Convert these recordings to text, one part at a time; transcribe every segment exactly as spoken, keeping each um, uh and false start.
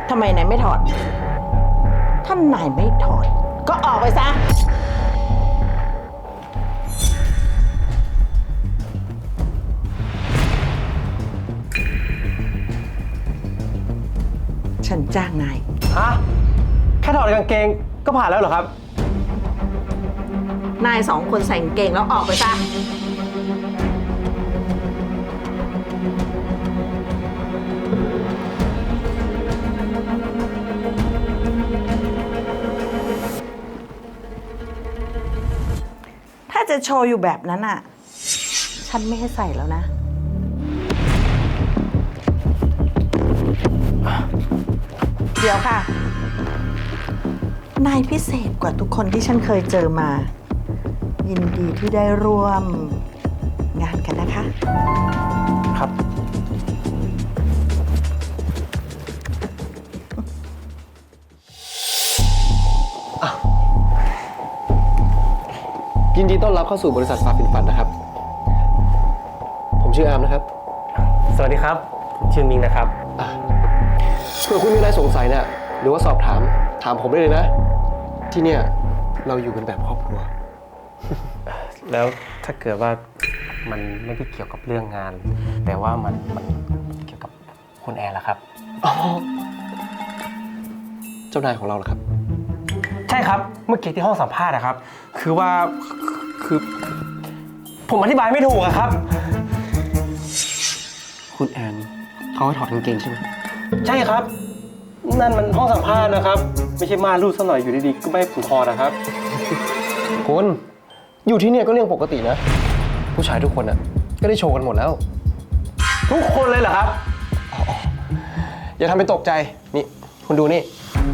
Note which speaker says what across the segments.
Speaker 1: ทำไมนายไม่ถอดถ้านายไม่ถอดก็ออกไปซะฉันจ้างนาย
Speaker 2: ฮะแค่ถอดกางเกงก็ผ่านแล้วเหรอครับ
Speaker 1: นายสองคนใส่กางเกงแล้วออกไปซะถ้าจะโชว์อยู่แบบนั้นอ่ะฉันไม่ให้ใส่แล้วนะเดี๋ยวค่ะนายพิเศษกว่าทุกคนที่ฉันเคยเจอมา ยินดีที่ได้ร่วมงานกันนะคะ
Speaker 2: ครับยินดีต้อนรับเข้าสู่บริษัทฟาฟินฟันนะครับผมชื่ออาร์มนะครับ
Speaker 3: สวัสดีครับผมชื่อมิงนะครับ
Speaker 2: เผื่อคุณมีอะไรสงสัยเนี่ยหรือว่าสอบถามถามผมได้เลยนะที่เนี่ยเราอยู่กันแบบครอบครัว
Speaker 3: แล้วถ้าเกิดว่ามันไม่ได้เกี่ยวกับเรื่องงานแต่ว่ามันมันเกี่ยวกับคุณแอนล่ะครับ
Speaker 2: อ๋อเจ้านายของเราเหรอครับ
Speaker 3: ใช่ครับเมื่อกี้ที่ห้องสัมภาษณ์นะครับคือว่าคือผมอธิบายไม่ถูกอะครับ
Speaker 2: คุณแอนเขาให้ถอดกางเกงใช่ไหม
Speaker 3: ใช่ครับนั่นมันห้องสัมภาษณ์นะครับไม่ใช่ม่านรูดซะหน่อยอยู่ดีๆก็ไม่ผมคอนะครับ
Speaker 2: คุณอยู่ที่เนี่ยก็เรื่องปกตินะผู้ชายทุกคนอ่ะก็ได้โชว์กันหมดแล้ว
Speaker 3: ทุกคนเลยเหรอครับ
Speaker 2: อย่าทำเป็นตกใจนี่คุณดูนี่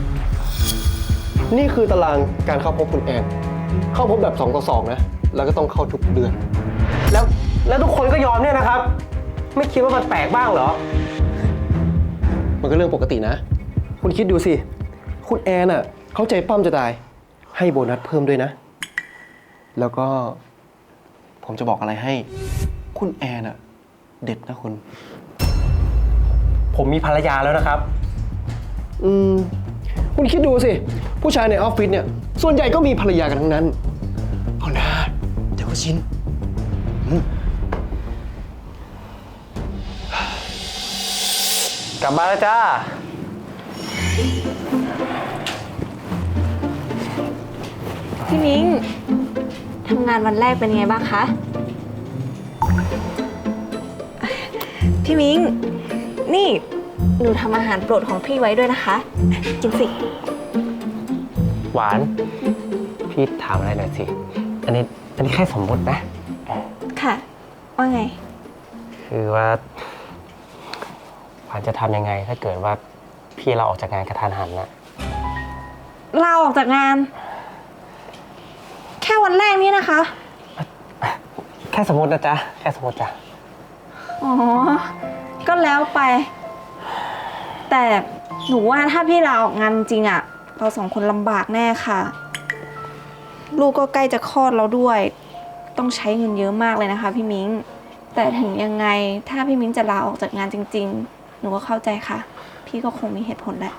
Speaker 2: นี่คือตารางการเข้าพบคุณแอนเข้าพบแบบสองต่อสองนะแล้วก็ต้องเข้าทุกเดือน
Speaker 3: แล้วแล้วทุกคนก็ยอมเนี่ยนะครับไม่คิดว่ามันแปลกบ้างเหรอ
Speaker 2: มันก็เรื่องปกตินะคุณคิดดูสิคุณแอนอ่ะเขาใจปั้มจะตายให้โบนัสเพิ่มด้วยนะแล้วก็ผมจะบอกอะไรให้คุณแอนอะเด็ดนะคุณ
Speaker 3: ผมมีภรรยาแล้วนะครับ
Speaker 2: อืมคุณคิดดูสิผู้ชายในออฟฟิศเนี่ยส่วนใหญ่ก็มีภรรยากันทั้งนั้นเอานะเดี๋ยวก็ชิน
Speaker 3: กลับมาแล้วจ้า
Speaker 4: พี่มิ้งทำงานวันแรกเป็นไงบ้างคะพี่มิ้งนี่หนูทำอาหารโปรดของพี่ไว้ด้วยนะคะกินสิ
Speaker 3: หวานพี่ถามอะไรหน่อยสิอันนี้อันนี้แค่สมมตินะ
Speaker 4: ค่ะว่าไง
Speaker 3: คือว่าหวานจะทำยังไงถ้าเกิดว่าพี่เราออกจากงานกระทันหันนะ
Speaker 4: เราออกจากงานแค่วันแรกนี้นะคะ
Speaker 3: แค่สมมตินะจ๊ะแค่สมมติจ้ะ
Speaker 4: อ๋อก็แล้วไปแต่หนูว่าถ้าพี่ลาออกงานจริงอะเราสองคนลำบากแน่ค่ะลูกก็ใกล้จะคลอดแล้วด้วยต้องใช้เงินเยอะมากเลยนะคะพี่มิ้งแต่ถึงยังไงถ้าพี่มิ้งจะลาออกจากงานจริงๆหนูก็เข้าใจค่ะพี่ก็คงมีเหตุผลแหละ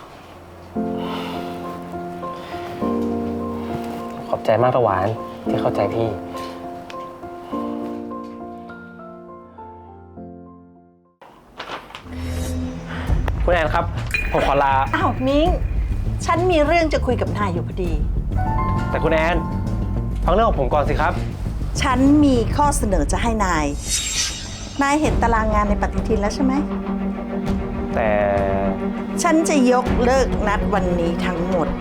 Speaker 3: ขอบใจมากตะหวานที่เข้าใจพี่คุณแอนครับผมขอลา
Speaker 1: อ้าวมิ้งฉันมีเรื่องจะคุยกับนายอยู่พอดี
Speaker 3: แต่คุณแอนฟังเรื่องของผมก่อนสิครับ
Speaker 1: ฉันมีข้อเสนอจะให้นายนายเห็นตารางงานในปฏิทินแล้วใช่ไหม
Speaker 3: แต่
Speaker 1: ฉันจะยกเลิกนัดวันนี้ทั้งหมด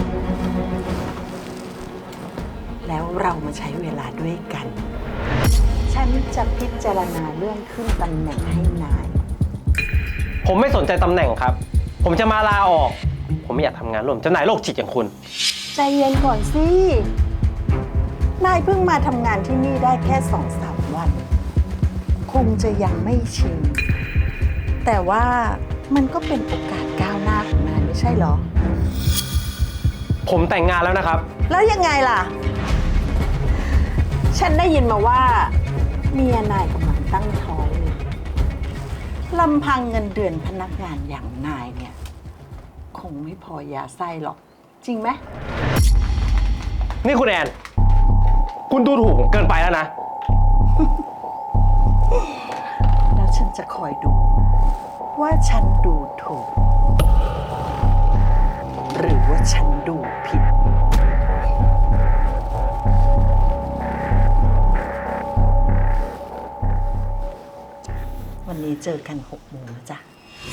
Speaker 1: แล้วเรามาใช้เวลาด้วยกันฉันจะพิจารณาเรื่องขึ้นตำแหน่งให้นาย
Speaker 3: ผมไม่สนใจตำแหน่งครับผมจะมาลาออกผมไม่อยากทำงานร่วมเจ้านายโรคจิตอย่างคุณ
Speaker 1: ใจเย็นก่อนสินายเพิ่งมาทำงานที่นี่ได้แค่สองสามวันคงจะยังไม่ชินแต่ว่ามันก็เป็นโอกาสก้าวหน้าของนายไม่ใช่เหรอ
Speaker 3: ผมแต่งงานแล้วนะครับ
Speaker 1: แล้วยังไงล่ะฉันได้ยินมาว่าเมียนายกำลังตั้งท้อง ลำพังเงินเดือนพนักงานอย่างนายเนี่ยคงไม่พอยาไส้หรอก จริงไหม
Speaker 3: นี่คุณแอน คุณดูถูกผมเกินไปแล้วนะ
Speaker 1: แล้วฉันจะคอยดู ว่าฉันดูถูก หรือว่าฉันดูผิด วันนี้เจอกันหกโมงนะจ๊ะ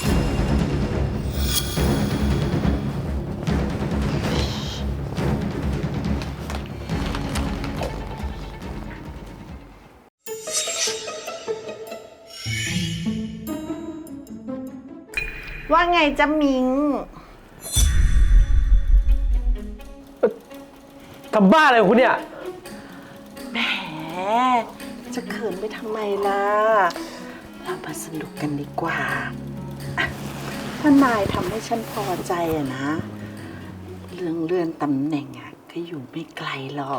Speaker 1: ว่าไงจ๊ะมิง
Speaker 3: ทำบ้าอะไรของคุณเนี่ย
Speaker 1: แหม จะเขินไปทำไมล่ะ เรามาสนุกกันดีกว่าอ่ะถ้านายทำให้ฉันพอใจอะนะ เรื่องเลื่อนตำแหน่งอะก็อยู่ไม่ไกลหรอก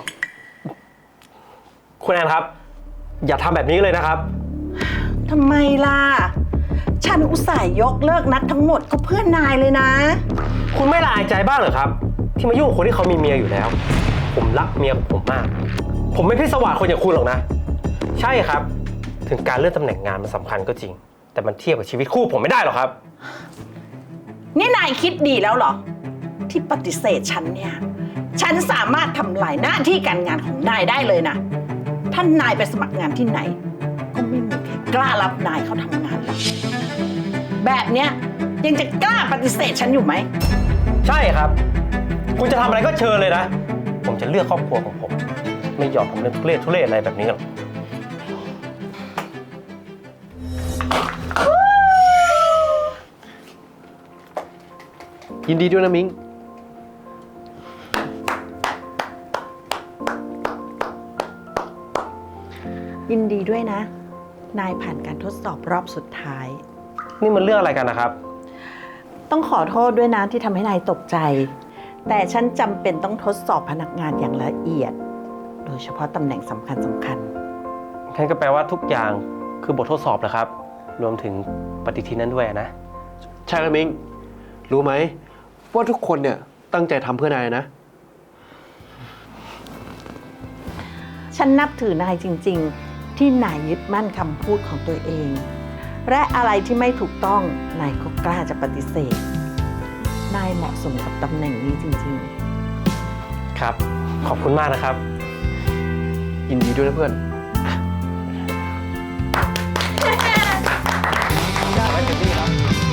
Speaker 3: คุณแอนครับ อย่าทำแบบนี้เลยนะครับ
Speaker 1: ทำไมล่ะ ฉันอุตส่าห์ยกเลิกนัดทั้งหมดก็เพื่อนนายเลยนะ
Speaker 3: คุณไม่ละอายใจบ้างเหรอครับ ที่มายุ่งกับคนที่เขามีเมียอยู่แล้ว ผมรักเมียของผมมาก ผมไม่พิศวาสคนอย่างคุณหรอกนะ ใช่ครับ ถึงการเลื่อนตำแหน่งงานมันสำคัญก็จริง แต่มันเทียบกับชีวิตคู่ผมไม่ได้หรอกครับ
Speaker 1: นี่นายคิดดีแล้วเหรอ ที่ปฏิเสธฉันเนี่ย ฉันสามารถทำลายหน้าที่การงานของนายได้เลยนะ ท่านนายไปสมัครงานที่ไหน ก็ไม่มีใครกล้ารับนายเข้าทำงานหรอกแบบเนี้ยยังจะกล้าปฏิเสธฉันอยู่ไหม
Speaker 3: ใช่ครับ คุณจะทำอะไรก็เชิญเลยนะ ผมจะเลือกครอบครัวของผม ไม่ยอมทำเรื่องทุเรศทุเรศอะไรแบบนี้หรอก
Speaker 2: ยินดีด้วยนะมิง
Speaker 1: ยินดีด้วยนะ นายผ่านการทดสอบรอบสุดท้าย
Speaker 3: นี่มันเรื่องอะไรกันนะครับ
Speaker 1: ต้องขอโทษด้วยนะที่ทำให้นายตกใจ แต่ฉันจำเป็นต้องทดสอบพนักงานอย่างละเอียด โดยเฉพาะตำแหน่งสำคัญสำคัญ
Speaker 3: งั้นก็แปลว่าทุกอย่างคือบททดสอบนะครับ รวมถึงปฏิทินนั้นด้วยนะ
Speaker 2: ใช่แล้วมิง รู้ไหมว่าทุกคนเนี่ยตั้งใจทำเพื่อนายนะ
Speaker 1: ฉันนับถือนายจริงๆ ที่นายยึดมั่นคำพูดของตัวเอง และอะไรที่ไม่ถูกต้องนายก็กล้าจะปฏิเสธ นายเหมาะสมกับตำแหน่งนี้จริง
Speaker 3: ครับ ขอบคุณมากนะครับ
Speaker 2: ยินดีด้วยนะเพื่อน
Speaker 3: ได้ไหมเจนนี่ครับ